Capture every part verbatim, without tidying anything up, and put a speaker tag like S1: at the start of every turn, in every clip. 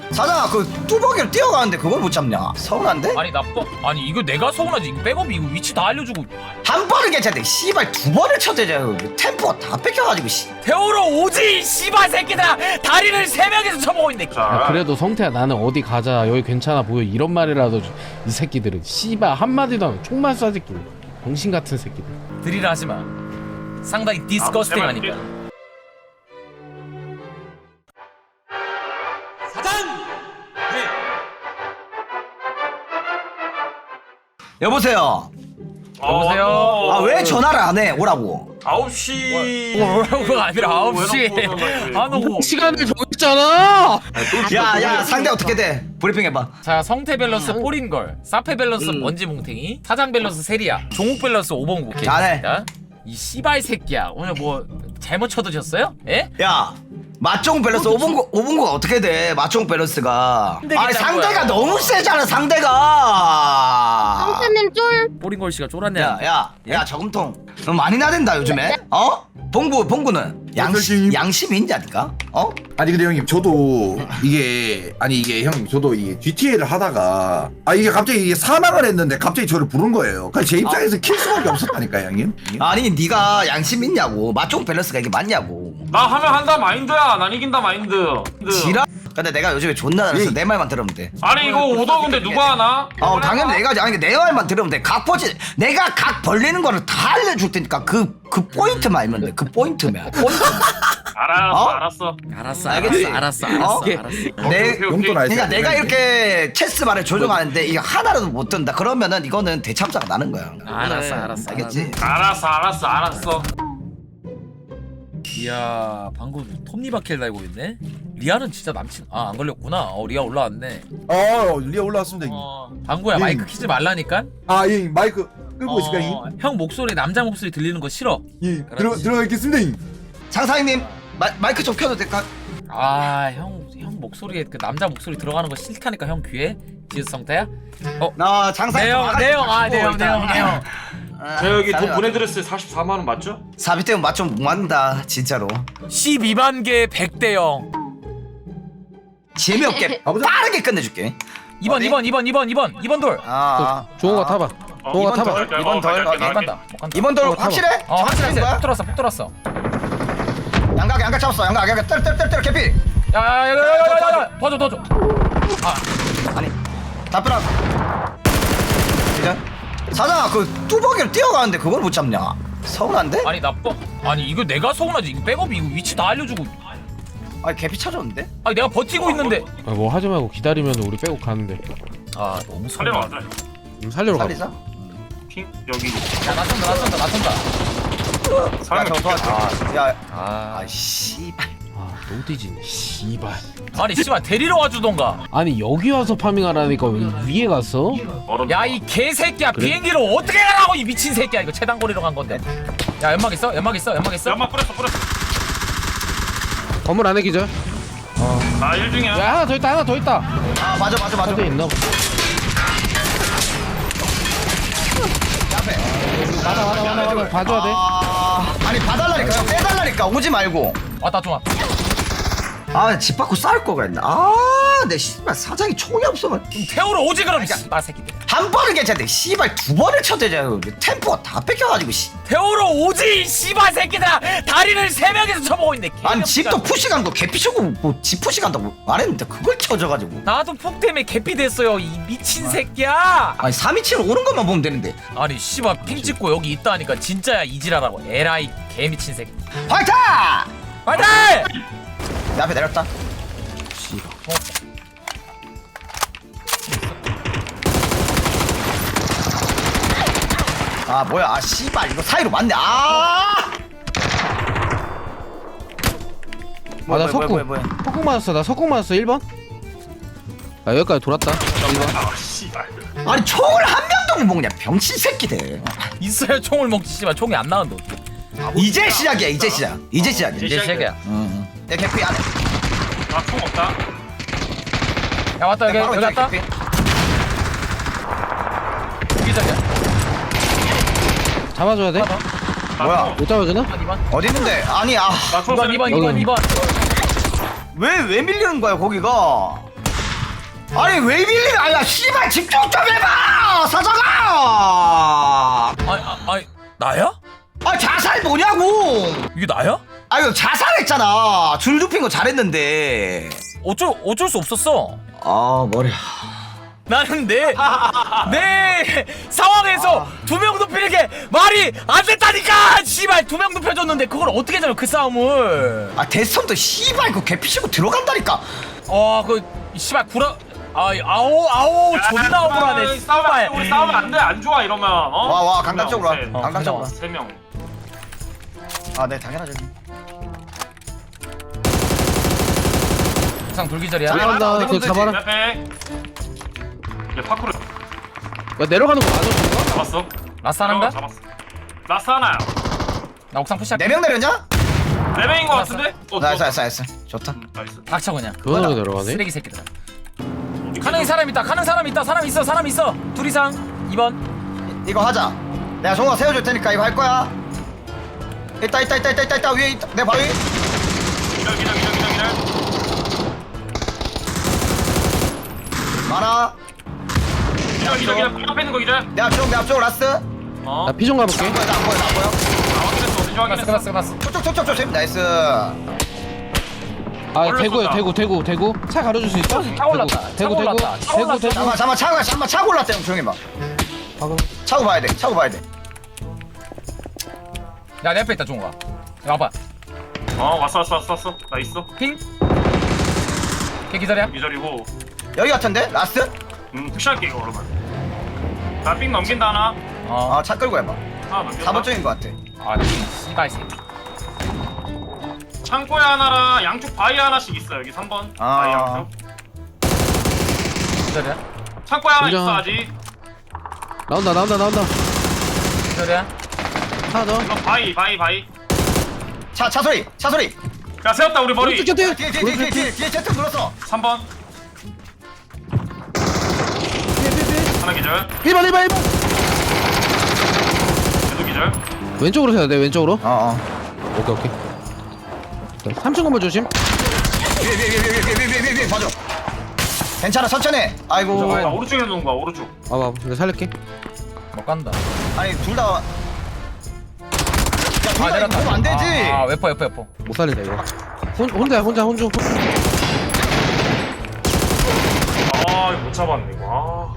S1: 사장아 그 뚜벅이를 뛰어가는데 그걸 못 잡냐? 서운한데?
S2: 아니 나빠. 아니 이거 내가 서운하지. 이거 백업이 이거 위치 다 알려주고.
S1: 한 번은 괜찮대. 씨발 두 번을 쳐대자. 템포가 다 뺏겨가지고 씨.
S2: 태우러 오지 이 씨발 새끼들아. 다리를 세 명이서 쳐보고 있네.
S3: 야, 그래도 성태야 나는 어디 가자 여기 괜찮아 보여 이런 말이라도 좀- 이 새끼들은 씨발 한마디도 안 하고 총만 쏴 새끼 병신 같은 새끼들.
S2: 드리라 하지 마. 상당히 디스커스팅하니까.
S1: 여보세요.
S2: 여보세요?
S1: 아 왜 전화를 안 해? 오라고.
S4: 아홉 시
S2: 뭐라고가 아니라 아홉 시에 안 오고.
S3: 시간을 정했잖아.
S1: 야야 상대 어떻게 돼? 브리핑 해봐.
S2: 자 성태 밸런스 뽀린걸, 사페 밸런스 먼지 뭉탱이, 사장 밸런스 세리야, 종욱 밸런스 오봉구.
S1: 잘해.
S2: 이 씨발 새끼야 오늘 뭐 잘못 쳐드셨어요? 예?
S1: 야 맞종 밸런스 오분구 오분구가 어떻게 돼? 맞종 밸런스가.
S2: 힘들겠다는
S1: 아니 상대가
S2: 거야.
S1: 너무 세잖아 상대가.
S5: 성태님 쫄.
S2: 뽀린걸 씨가 쫄았네.
S1: 야야야 야, 저금통 너 많이 나댄다 요즘에. 어? 봉구 봉구는 양심 양심이 있냐니까? 어?
S6: 아니 근데 형님 저도 이게 아니 이게 형님 저도 이게 지티에이를 하다가 아 이게 갑자기 이게 사망을 했는데 갑자기 저를 부른 거예요. 그러니까 제 입장에서 킬 수밖에 없었다니까요 형님.
S1: 아니 네가 양심 있냐고. 맞종 밸런스가 이게 맞냐고.
S4: 나 하면 한다 마인드야. 난 이긴다 마인드.
S1: 지랄. 근데 내가 요즘에 존나 잘해서 내 말만 들으면 돼.
S4: 아니 이거 오더 근데 누가 하나?
S1: 어 당연히 내가 아니 내 말만 들으면 돼. 각 퍼지 내가 각 벌리는 거를 다 알려줄 테니까 그 그 포인트만 알면 돼. 그 포인트만. 포인트.
S4: 알았어
S1: 어?
S4: 알았어.
S2: 알았어
S1: 알겠지?
S2: 알았어 알았어
S1: 어?
S2: 알았어 알았어.
S1: 내
S4: 오케이, 오케이.
S6: 용돈 알지?
S1: 그러니까 내가 이렇게 체스 말을 조정하는데 이거 하나라도 못 든다. 그러면은 이거는 대참사가 나는 거야.
S2: 알았어, 알았어,
S1: 알겠지?
S4: 알았어 알았어 알았어.
S2: 이야 방금 톱니바퀴를 달고 있네. 리아는 진짜 남친 아 안 걸렸구나. 어 리아 올라왔네.
S6: 어 리아 올라왔습니다 형님.
S2: 어 방구야
S6: 예.
S2: 마이크 키지 말라니까.
S6: 아 예, 마이크 끄고
S2: 어,
S6: 있을까요 형님?
S2: 형 목소리 남자 목소리 들리는 거 싫어.
S6: 예
S2: 들어-
S6: 들어가겠습니다 형님.
S1: 장사장님 마, 마이크 좀 켜도 될까?
S2: 아 형 형 목소리에 그 남자 목소리 들어가는 거 싫다니까 형 귀에. 지읒 성태야? 어
S1: 나 장사님
S2: 네형네형아네형네형네형
S4: 저 여기 돈 보내드렸어요. 사십사만 원 맞죠?
S1: 사비 때문에 맛 좀 못 맞는다 진짜로.
S2: 십이만 개 백 대 영.
S1: 재미없게
S6: 가보자.
S1: 빠르게 끝내줄게.
S2: 이번
S1: 어디?
S2: 이번 이번 이번 이번 이번 돌.
S1: 아, 아.
S3: 종호가 타봐.
S4: 어,
S3: 종호가
S1: 이번
S3: 타봐.
S1: 덜,
S4: 어,
S1: 이번 덜,
S4: 갈게,
S1: 어,
S2: 못
S4: 갈게.
S2: 간다 못 간다.
S1: 이번 돌
S3: 어, 타봐.
S1: 확실해?
S2: 어
S1: 확실한
S2: 확실해.
S1: 거야?
S2: 푹 들었어 푹 들었어.
S1: 양각 양각 잡았어. 양각 양각 때려 때려 때려 때려 개피.
S2: 야야야야야야 더줘 더줘. 아
S1: 아니 답변아. 이제 사장아 그 뚜벅이를 뛰어가는데 그걸 못 잡냐? 서운한데?
S2: 아니 나빠. 아니 이거 내가 서운하지. 이거 백업이 이거 위치 다 알려주고.
S1: 아니 개피 찾았는데?
S2: 아니 내가 버티고 있는데.
S3: 아, 뭐 하지 말고 기다리면 우리 빼고 가는데.
S2: 아 너무
S4: 살려
S2: 서운하다.
S4: 맞아.
S3: 음, 살리러 가.
S1: 살리자.
S4: 핑 여기.
S2: 야 나선다 나선다 나선다.
S1: 야,
S4: 사람
S1: 저 도와줘. 아, 야,
S2: 아
S1: 아, 씨발.
S3: 아 너무 뒤지네. 씨발.
S2: 아니 씨발 데리러 와주던가.
S3: 아니 여기 와서 파밍하라니까 왜 위에 갔어?
S2: 야 이 개새끼야 비행기로 어떻게 가라고 이 미친 새끼야. 이거 최단거리로 간 건데. 야 연막 있어 연막 있어 연막 있어.
S4: 연막 뿌렸어 뿌렸어.
S3: 건물 안에 기절.
S4: 나 일 중이야.
S3: 야 하나 더 있다 하나 더 있다.
S1: 아, 맞아, 맞아, 맞아.
S3: 어디 있나?
S1: 앞에.
S3: 맞아 맞아 맞아 맞아. 봐줘야 돼.
S1: 아, 아니, 봐달라니까. 형, 빼달라니까. 오지 말고.
S2: 왔다 좀 와.
S1: 아, 집 밖으로 싸울 거 그랬나. 아, 내 씨발 사장이 총이 없어만.
S2: 태우러 오지 그럼 씨발 새끼들.
S1: 한 번은 괜찮대. 씨발 두 번을 쳐대자. 템포가 다 뺏겨가지고, 씨.
S2: 태우러 오지 이 씨발 새끼들아. 다리를 세 명이서 쳐보고 있네.
S1: 아니,
S2: 개새끼가.
S1: 집도 푸시 간거 개피 쳐고, 뭐, 집 푸시 간다고 말했는데, 그걸 쳐져가지고.
S2: 나도 폭 때문에 개피 됐어요 이 미친 새끼야.
S1: 아니, 삼이칠 오는 것만 보면 되는데.
S2: 아니 씨발 핑 찍고 여기 있다니까 진짜야 이지라라고. 에라이 개미친 새끼.
S1: 화이팅!
S2: 화이팅!
S1: 내 앞에 내렸다. 아 뭐야 아 씨발 이거 사이로 맞네 아
S3: 아나 석궁.
S1: 뭐야, 뭐야.
S3: 석궁 맞았어. 나 석궁 맞았어. 일 번. 나 여기까지 돌았다.
S4: 아 씨발.
S1: 아니 총을 한 명도 못 먹냐 병신 새끼들.
S2: 있어야 총을 먹지 씨발 총이 안 나온다.
S1: 이제 시작이야 이제 시작 이제 시작이야.
S2: 이제 시작이야.
S1: 응. 내 개피 안에.
S4: 나총 없다.
S2: 야 왔다 여기
S1: 바로
S2: 여기
S1: 왼쪽에
S2: 왔다.
S1: 개피.
S2: 여기저기야.
S3: 잡아줘야 돼.
S1: 뭐야?
S3: 못 잡아주나?
S2: 이번 이번.
S1: 어디 있는데 아니 아
S4: 나총
S2: 이번 이번 이번
S3: 여기.
S2: 이번.
S1: 왜 왜 밀리는 거야 거기가. 아니 왜 빌리? 아야 씨발 집중 좀 해봐 사장아.
S2: 아니 아, 아니 나야?
S1: 아 자살 뭐냐고.
S2: 이게 나야?
S1: 아유 자살했잖아. 줄 눕힌 거 잘했는데.
S2: 어쩔 어쩔 수 없었어.
S1: 아 머리.
S2: 나는 내, 내 상황에서 두 명 눕히는 게 말이 안 됐다니까! 씨발, 두 명 눕혀줬는데 그걸 어떻게 잡아, 그 싸움을.
S1: 아 대선도 씨발 그 개피시고 들어간다니까.
S2: 어, 그, 씨발, 구라, 아, 아오, 아오, 존나 억울하네,
S4: 싸우면 안 돼.
S2: 씨발.
S4: 우리 싸우면 안 돼. 안 좋아 이러면. 어?
S1: 와, 와,
S4: 두
S1: 강남
S4: 명,
S1: 쪽으로 와.
S4: 셋.
S2: 어,
S1: 강남 쪽으로 와.
S4: 세 명.
S1: 아 네 당연하죠.
S2: 항상 돌기절이야.
S1: 자,
S3: 올라간다.
S1: 어디
S3: 그거
S1: 건들지?
S3: 잡아라.
S4: 옆에. 얘 파쿠르
S3: 야 내려가는 거 맞아 저거?
S4: 잡았어.
S2: 라스 하나인가?
S4: 잡았어. 라스 하나야.
S2: 나 옥상 푸시할게.
S1: 네 명 내렸냐?
S4: 네 명인 거 같은데? 어,
S1: 나이스
S4: 좋았어.
S1: 나이스 나이스. 좋다.
S4: 음, 나이스.
S2: 닥쳐, 그냥.
S3: 그거로 내려가네?
S2: 쓰레기 새끼들. 가는 사람 있다, 가는 사람 있다, 사람 있어, 사람 있어. 둘 이상, 이 번.
S1: 이거 하자. 내가 종아 세워줄 테니까 이거 할 거야. 있다 있다 있다 있다 있다 있다 위에 있다. 내 바위.
S4: 기절 기절 기절 기절 기절.
S1: 많아.
S4: 기절 기절 기절. 바로 앞에 있는 거 기절.
S1: 내 앞쪽 내 앞쪽 라스.
S4: 어.
S3: 나 피 좀 가볼게.
S1: 안 보여 안 보여 안 보여.
S4: 아, 확인했어. 어딘지
S2: 끝났어,
S4: 확인했어.
S2: 끝났어, 끝났어.
S1: 쪽쪽 쪽쪽 조심. 나이스.
S3: 아
S4: 올렸었다.
S3: 대구야 대구 대구 대구 차 가려줄 수 있어?
S2: 차 올랐다, 차
S3: 대구 대구
S2: 올랐다, 차
S3: 대구
S2: 올랐다.
S3: 대구
S1: 잠깐만 잠깐만 차고 잠깐만 차고 올랐대 형 조용히 봐.
S3: 대구.
S1: 차고 봐야 돼. 차고 봐야 돼.
S2: 야, 내 앞에 있다, 종우가. 야, 와봐.
S4: 어, 왔어 왔어 왔어 왔어. 나 있어.
S2: 핑? 걔 기다려.
S4: 기절이고.
S1: 여기 같은데 라스?
S4: 음, 푸시할게 이거 그러면. 나삥 넘긴다 하나.
S2: 어.
S1: 아차 끌고 해봐.
S4: 하나 넘긴다.
S1: 사 번 쪽인 것 같아.
S2: 아, 나 씨발 새끼.
S4: 창고에 하나랑 양쪽 바위 하나씩 있어 여기 삼 번.
S1: 아.
S4: 바위 양쪽.
S2: 기다려.
S4: 창고에 하나
S3: 인정.
S4: 있어 아직.
S3: 나온다 나온다 나온다.
S2: 기다려.
S3: 하나 더.
S4: 이거 바위 바위 바위.
S1: 차 차 소리 차 소리.
S4: 야 세웠다 우리 머리.
S3: 오른쪽 곁에.
S1: 뒤에 뒤에 뒤에 뒤에 뒤에 뒤에 제트 눌렀어.
S4: 삼 번. 하나 기절.
S3: 일 번 일 번 일 번.
S4: 계속 기절.
S3: 왼쪽으로 세야 돼 왼쪽으로.
S1: 어어.
S3: 오케이 오케이. 삼 층 건물 조심.
S1: 위에 위에 위에 위에 위에 위에 위에 위에 봐줘. 괜찮아 천천히. 아이고.
S4: 아, 오른쪽에 놓은 거야 오른쪽.
S3: 와봐 내가 살릴게.
S2: 못 간다.
S1: 아니 둘 다. 야, 둘
S2: 아,
S1: 다
S2: 내렸다.
S1: 이거 보면 안 되지.
S2: 아, 아, 웨퍼, 웨퍼, 웨퍼.
S3: 못 살린다 이거. 혼 혼자 혼자 혼자. 혼자.
S4: 아 이거 못 잡았네 이거. 아.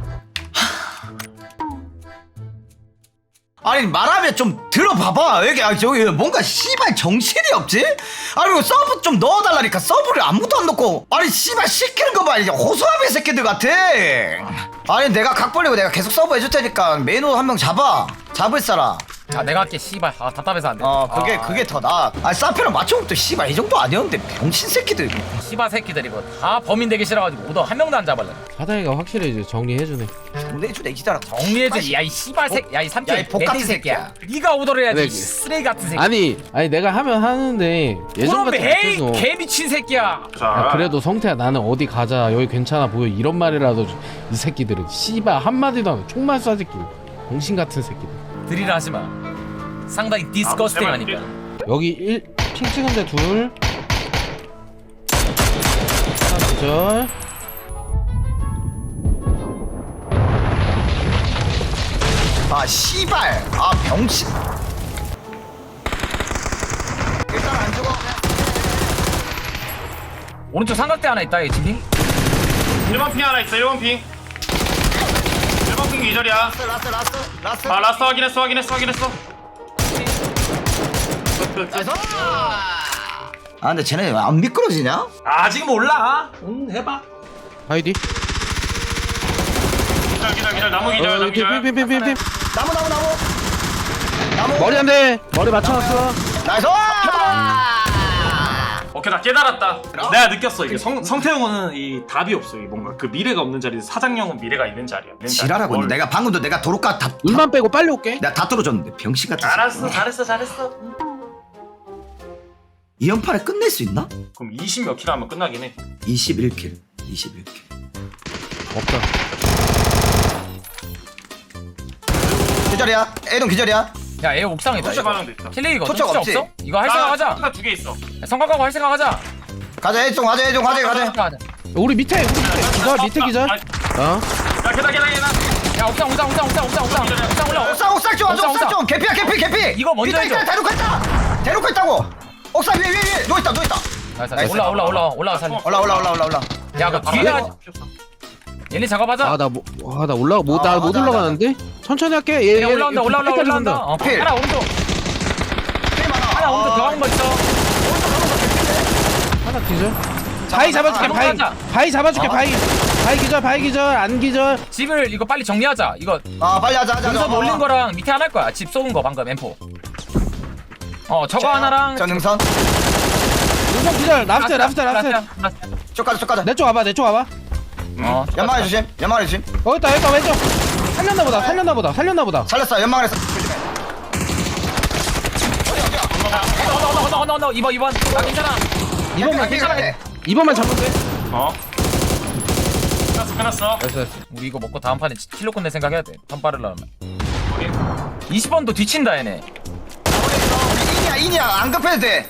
S1: 아니 말하면 좀 들어봐봐. 여기 아, 저기 뭔가 씨발 정신이 없지? 아니 이거 서브 좀 넣어달라니까 서브를 아무도 안 넣고. 아니 씨발 시키는 거 봐. 이제 호소아비 새끼들 같아. 아니 내가 각 벌리고 내가 계속 서브 해줄 테니까 메뉴 한 명 잡아. 잡을 사람.
S2: 아, 내가 할게, 씨발. 아, 답답해서 안 돼.
S1: 어 그게
S2: 아,
S1: 그게 더 나아. 아니 사페랑 맞춰보면 또 씨발 이 정도 아니었는데 병신 새끼들.
S2: 씨발 새끼들 이거 다 범인 되기 싫어가지고 오더 한 명도 안 잡을래.
S3: 사다이가 확실히 이제 정리해주네.
S1: 정리해주네 이 기다려.
S2: 정리해줘. 야이 씨발 새끼, 야이 삼촌,
S1: 야, 이 복같은
S2: 내띠 새끼야.
S1: 새끼야.
S2: 네가 오더를 해야지.
S3: 네.
S2: 이 쓰레기 같은 새끼.
S3: 아니 아니 내가 하면 하는데 예전
S2: 그럼
S3: 같은
S2: 헤이
S3: 못해서.
S2: 개 미친 새끼야.
S4: 자.
S3: 야 그래도 성태야 나는 어디 가자 여기 괜찮아 보여 이런 말이라도 좀- 이 새끼들은 씨발 한마디도 안 하고 총만 쏴 새끼 병신 같은 새끼들.
S2: 드릴 하지 마. 상당히 디스커스팅
S4: 제발
S2: 하니까.
S3: 여기 일 핑 찍은데 둘 하나 기절.
S1: 아 씨발. 아 병신. 일단 안 죽어.
S2: 오른쪽 삼각대 하나 있다. 이 진핑.
S4: 일 번 핑 하나 있어 일 번 핑. 일 번 핑 기절이야.
S1: 라스 라스 라스 라스.
S4: 아 라스 확인했어 확인했어 확인했어.
S1: 나이스. 아 근데 쟤네 왜 안 미끄러지냐?
S4: 아직 몰라. 응 해봐.
S3: 아이디.
S4: 기절 기절 기절 나무 기절
S3: 어,
S4: 나무
S3: 여기
S4: 기절.
S3: 핑핑핑핑핑.
S1: 나무 나무 나무. 나무.
S3: 머리 안 돼. 머리 맞춰놨어.
S1: 나이스.
S4: 오케이 나 깨달았다. 내가 느꼈어 이게 성 성태형은 이 답이 없어. 이 뭔가 그 미래가 없는 자리에서 사장형은 미래가 있는 자리야. 있는 자리.
S1: 지랄하고 있네.
S4: 뭘-
S1: 내가 방금도 내가 도로가 다, 다
S3: 눈만 빼고 빨리 올게.
S1: 내가 다 뚫어줬는데 병신 같은.
S4: 알았어 잘했어 잘했어.
S1: 이 연판에 끝낼 수 있나?
S4: 그럼 이십 몇 킬 하면 끝나긴 해.
S1: 이십일 킬. 이십일 킬.
S3: 없다.
S1: 기절이야. A동 기절이야.
S2: 야, 얘 옥상에 있다.
S4: 토치
S2: 이거.
S4: 반응도 있다.
S2: 킬레이거
S1: 토착
S2: 진짜
S1: 없지?
S2: 없어? 이거 할 생각 하자.
S4: 두개 있어.
S2: 성각하고 할 생각 하자.
S1: 가자 A동 가자 A동 가자 가자.
S2: 가자.
S3: 우리 밑에 우리 밑에 기절 밑에 기절. 어?
S4: 야 계단 계단 계단.
S2: 야 옥상 옥상 옥상 옥상 옥상 옥상 옥상 올라.
S1: 옥상 옥상 좀
S2: 옥상,
S1: 옥상
S2: 옥상.
S1: 좀 개피야 개피 개피.
S2: 이거 먼저
S1: 있다,
S2: 해줘.
S1: 있다, 대놓고 있다. 대놓고 있다고. 옥상 위에 위에 위에 누워 있다 누워 있다.
S2: 나이스,
S1: 나이스.
S2: 올라 올라 올라 올라 살려.
S1: 올라 올라 올라 올라 올라.
S2: 야 그 뒤에 하- 얘네 작업하자.
S3: 아나뭐아나 올라 못나
S1: 아,
S3: 못
S1: 맞아,
S3: 올라가는데 천천히 할게. 얘
S2: 얘 올라온다 올라온다 올라온다. 어,
S1: 필.
S2: 하나 오른쪽 하나 오른쪽 들어가는 거 있어.
S3: 하나 기절. 바위 잡아줄게.
S2: 잡아,
S3: 바위
S2: 잡아.
S3: 바위 잡아줄게.
S1: 어?
S3: 바위 바위 기절 바위 기절 안 기절.
S2: 집을 이거 빨리 정리하자. 이거
S1: 아 빨리 하자 하자.
S2: 능선
S1: 어,
S2: 올린
S1: 어.
S2: 거랑 밑에 하나 할 거야. 집 쏘은 거 방금 엠포. 어 저거
S1: 자,
S2: 하나랑
S1: 저 능선.
S3: 능선 기절. 라스트 라스트 라스트.
S1: 쭉 가자 쭉 가자.
S3: 내 쪽 와봐 내 쪽 와봐.
S2: 어
S1: 연막에 조심. 연막에 조심.
S3: 어 있다 있다 왼쪽. 살렸나 보다 살렸나 보다 살렸나 보다.
S1: 살렸어. 연막에 서 조심해.
S2: 언더 언더 언더 언더 언더 이번 이번 나 괜찮아.
S3: 이번만
S1: 괜찮아.
S3: 이번만 잡으면 돼.
S4: 어. 끝났어 끝났어.
S3: 됐어 됐어.
S2: 우리 이거 먹고 다음 판에 킬로 끝낼 생각해야 돼. 판 빠르려면. 이십 번도 뒤친다 얘네.
S1: 우리 인이야 인이야 안 급해도 돼.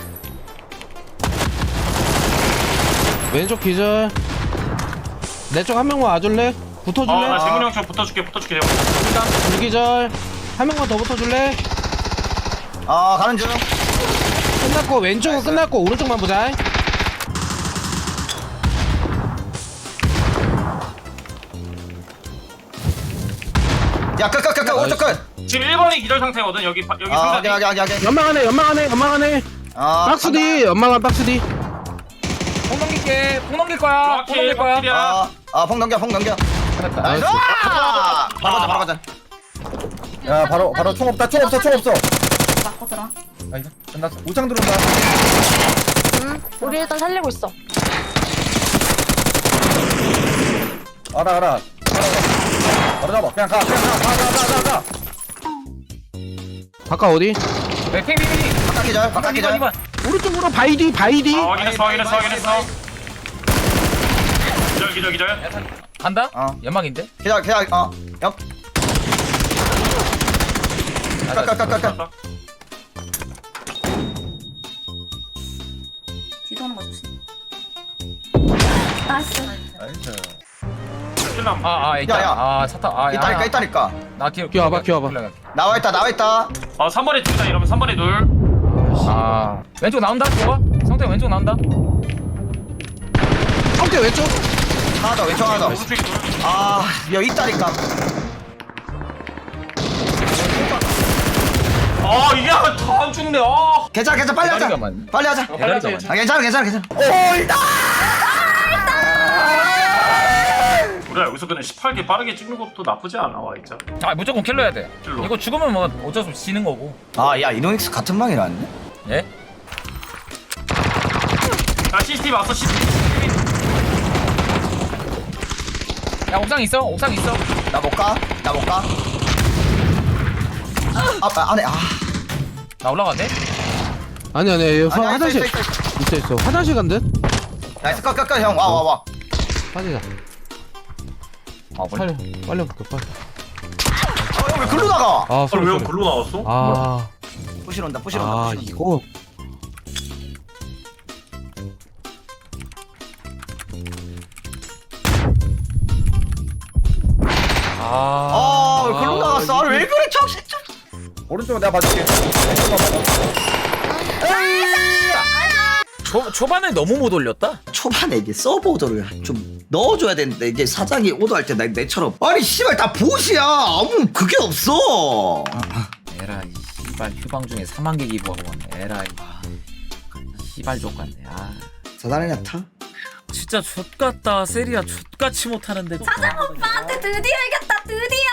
S3: 왼쪽 기절. 내 쪽 한 명만 와줄래? 붙어줄래?
S4: 어나 재문이 형좀 붙어줄게 붙어줄게.
S3: 불 기절. 한 명만 더 붙어줄래?
S1: 아 가는 중.
S3: 끝났고 왼쪽은 끝났고 오른쪽만 보자.
S1: 야끝끝끝 오른쪽 끝.
S4: 지금 일 번이 기절 상태거든. 여기 바- 여기
S1: 아
S4: 상자.
S1: 오케이 오케이 오케이 오케이.
S3: 연막 안에 연막 안에 연막 안에.
S1: 아
S3: 박스 뒤 연막 안 박스 뒤.
S2: 폭 넘길게. 폭 넘길 거야. 폭 넘길 거야.
S4: 확실이야.
S1: 아아폭 넘겨 폭 넘겨.
S2: 됐다.
S1: 나이스. 아, 바로 가자 바로 가자.
S6: 야 바로 바로 총 없다 총 없어 총 없어.
S5: 맞고 들어.
S2: 아이고 끝났어.
S6: 우창 들어온다.
S5: 응. 우리 일단 살리고 있어.
S6: 알아 알아. 바로 잡아. 그냥 가 그냥 가가가가 가.
S3: 바깥 어디?
S2: 핑 핑핑.
S1: 바깥 기절 바깥
S2: 이번
S1: 기절.
S2: 이번.
S3: 오른쪽으로 바이 뒤 바이 뒤.
S4: 아 확인했어 확인했어 확인했어. 기절 기절 기절.
S2: 간다?
S1: 어.
S2: 연막인데?
S1: 기절 기절 어. 옆. 깍깍깍깍.
S5: 뒤도 오는 거 조심. 나이스.
S4: 킬남.
S2: 아아 있다.
S1: 야, 야.
S2: 아 차타. 아 야.
S1: 있다니까 있다니까.
S2: 나 뒤로.
S3: 끼워봐, 끼워봐.
S1: 나와 있다 나와 있다.
S4: 아 삼 번에 둘이다 이러면 삼 번에 둘.
S2: 아 왼쪽 나온다. 좋아. 성태 왼쪽 나온다.
S3: 성태 왼쪽.
S1: 하나 더 왼쪽 하나 더.
S4: 오른쪽에 둘.
S1: 아 여기 있다니까.
S4: 아 이게 다안 죽네. 아.
S1: 괜찮아 괜찮아 빨리 하자.
S2: 대가리가 많네.
S1: 빨리 하자.
S2: 대가리가 많네.
S1: 아 괜찮아 괜찮아 괜찮아. 오이다.
S4: 우리가 여기서 그냥 십팔 개 빠르게 찍는 것도 나쁘지 않아 와 진짜.
S2: 아 무조건 킬러 해야 돼.
S4: 킬러.
S2: 이거 죽으면 뭐 어쩔 수 없이 지는 거고.
S1: 아야 이노닉스 같은 방이라는데?
S2: 예?
S4: 야 씨씨티비 왔어 씨씨티비.
S2: 야 옥상 있어? 옥상 있어?
S1: 나 못 가? 나 못 가? 아, 아 안에 아.
S2: 나 올라가네?
S3: 아니 아니 여기
S1: 아니, 아니,
S3: 화장실
S1: 있어, 있어, 있어.
S3: 있어 있어 화장실 간 듯.
S1: 나이스 컷컷컷 형 와 와 와.
S3: 빠지자.
S2: 아
S3: 빨리 빨리 볼게 빨리.
S1: 어, 왜 글로 나가?
S3: 아
S4: 아,
S3: 소리
S4: 왜
S3: 소리.
S4: 글로 나왔어?
S3: 아,
S1: 부실 온다 부실 온다.
S3: 아
S1: 부실 온다.
S3: 이거
S2: 아...
S1: 아, 왜 글로 나갔어? 아, 왜 그래 정신 좀.
S6: 오른쪽 내가 봐줄게.
S2: 초, 초반에 너무 못 올렸다?
S1: 초반에 이게 서브 오더를 좀 넣어줘야 되는데 이게 사장이 오더할 때 나 내처럼 아니 씨발 다 보시야 아무 그게 없어.
S2: 에라이 씨발 휴방 중에 삼만 개 기부하고 왔네 에라이 씨발 족같네 아
S1: 사장이냐 타?
S2: 진짜 족같다 세리야 족같이 못하는데
S5: 사장 오빠한테 드디어 이겼다 드디어.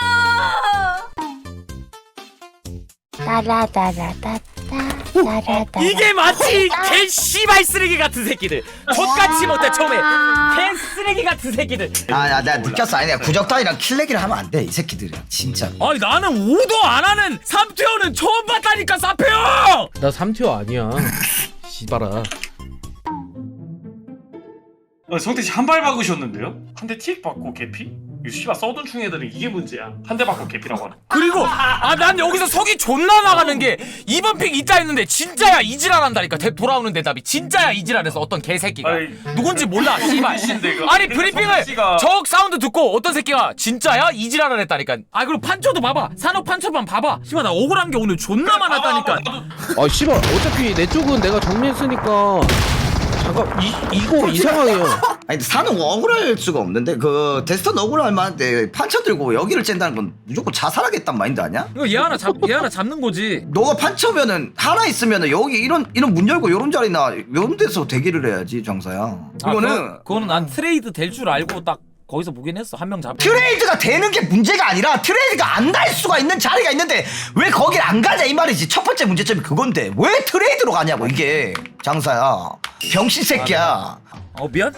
S7: 따라따라따따 따라따라
S2: 이게 마치 개 씨발 쓰레기 같은 새끼들 족같이 못해 처음에 개 쓰레기 같은 새끼들
S1: 아야 내가 느꼈어. 아니 내가 구적단이랑 킬레기를 하면 안 돼 이 새끼들이랑 진짜.
S2: 아니 나는 오도 안 하는 삼투어는 처음 봤다니까 사표 형!
S3: 나 삼 티어 아니야. 씨발아.
S4: 어, 성태 씨 한 발 박으셨는데요? 한 대 틱 받고 개피? 이 씨발 써둔 충 애들은 이게 문제야. 한 대 맞고 개피라고 하는.
S2: 그리고 아 난 여기서 속이 존나 나가는 게 이번 픽 있다 했는데 진짜야 이지랄 한다니까. 대- 돌아오는 대답이 진짜야 이지랄해서 어떤 개새끼가
S4: 아이,
S2: 누군지 몰라 씨발.
S4: 씨인데, 그
S2: 아니
S4: 그
S2: 브리핑을
S4: 씨가-
S2: 적 사운드 듣고 어떤 새끼가 진짜야 이지랄을 했다니까. 아 그리고 판초도 봐봐. 산업 판초만 봐봐. 씨발 나 억울한 게 오늘 존나 많았다니까.
S3: 아 씨발 어차피 내 쪽은 내가 정리했으니까 잠깐 이 이거 이상하게요.
S1: 아니 근데 사는 억울할 수가 없는데 그 데스턴 억울할 만한데 판처 들고 여기를 쨘다는 건 무조건 자살하겠단 마인드 아니야?
S2: 이거 얘 하나 잡 얘 하나 잡는 거지.
S1: 너가 판처면은 하나 있으면은 여기 이런 이런 문 열고 이런 자리나 이런 데서 대기를 해야지 장사야. 이거는
S2: 아, 그거, 그거는 난 트레이드 될 줄 알고 딱 거기서 보긴 했어. 한 명 잡.
S1: 트레이드가 되는 게 문제가 아니라 트레이드가 안 갈 수가 있는 자리가 있는데 왜 거길 안 가냐 이 말이지. 첫 번째 문제점이 그건데 왜 트레이드로 가냐고 이게 장사야. 병신 새끼야.
S2: 어 미안.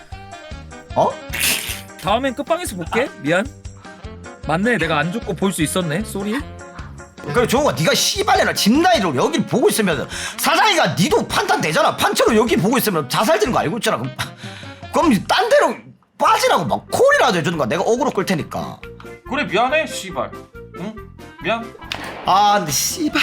S1: 어?
S2: 다음엔 끝방에서 볼게. 미안. 맞네. 내가 안 죽고 볼 수 있었네. 쏘리.
S1: 그래 종호가 네가 씨발려나 집나이로 여길 보고 있으면 사장이가 니도 판단 되잖아. 판처로 여기 보고 있으면 자살되는 거 알고 있잖아. 그럼, 그럼 딴 데로 빠지라고 막 콜이라도 해주는 거야. 내가 어그로 끌 테니까.
S4: 그래 미안해 씨발. 응? 미안.
S1: 아 근데 씨발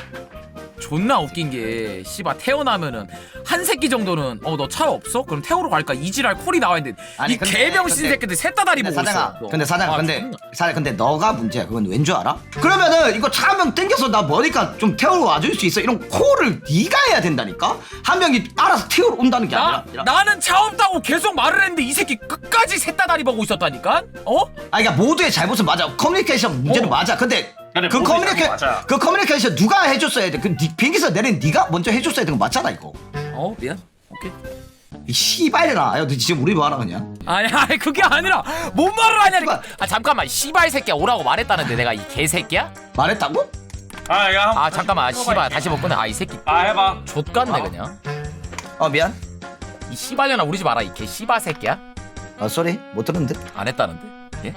S2: 존나 웃긴 게 씨발 태어나면은 한 새끼 정도는 어 너 차 없어? 그럼 태우러 갈까? 이지랄 콜이 나와 있는데
S1: 아니,
S2: 이
S1: 근데-
S2: 개병신
S1: 근데-
S2: 새끼들 셋 다 다리
S1: 근데
S2: 보고
S1: 사장아
S2: 있어. 너.
S1: 근데 사장아
S2: 아,
S1: 근데
S2: 존나.
S1: 사장 근데 너가 문제야. 그건 왠 줄 알아? 그러면은 이거 차 한 명 땡겨서 나 머니까 좀 태우러 와줄 수 있어? 이런 콜을 네가 해야 된다니까? 한 명이 알아서 태우러 온다는 게
S2: 나,
S1: 아니라
S2: 나는 차 없다고 계속 말을 했는데 이 새끼 끝까지 셋 다 다리 보고 있었다니까? 어?
S1: 아니 그러니까 모두의 잘못은 맞아. 커뮤니케이션 문제는
S2: 어.
S1: 맞아. 근데
S4: 그래,
S1: 그
S4: 모두의
S1: 커뮤니케
S4: 잘못 맞아.
S1: 그 커뮤니케이션 누가 해줬어야 돼? 그 니- 비행기에서 내린 네가 먼저 해줬어야 되는 거 맞잖아 이거.
S2: 어 미안. 오케이.
S1: 이 씨발이나. 야, 너 지금 우리 뭐 하나 그냥?
S2: 아니 아니 그게 아니라 뭔 말을 하냐니까.
S1: 씨발.
S2: 아 잠깐만 씨발 새끼야 오라고 말했다는데 내가 이 개새끼야?
S1: 말했다고?
S4: 아 야.
S2: 아 잠깐만 씨발 다시 못 꺼내. 아 이 새끼
S4: 아 해봐.
S2: 좆같네 그냥.
S1: 어 미안.
S2: 이 씨발년아 우리 집 알아 이 개 씨발 새끼야?
S1: 어 쏘리 못 들었는데.
S2: 안 했다는데? 예?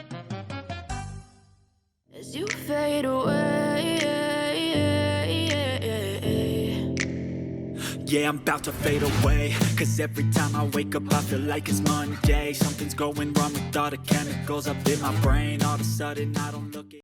S8: As you fade away,
S9: yeah, I'm about to fade away. Cause every time I wake up, I feel like it's Monday. Something's going wrong with all the chemicals up in my brain. All of a sudden, I don't look at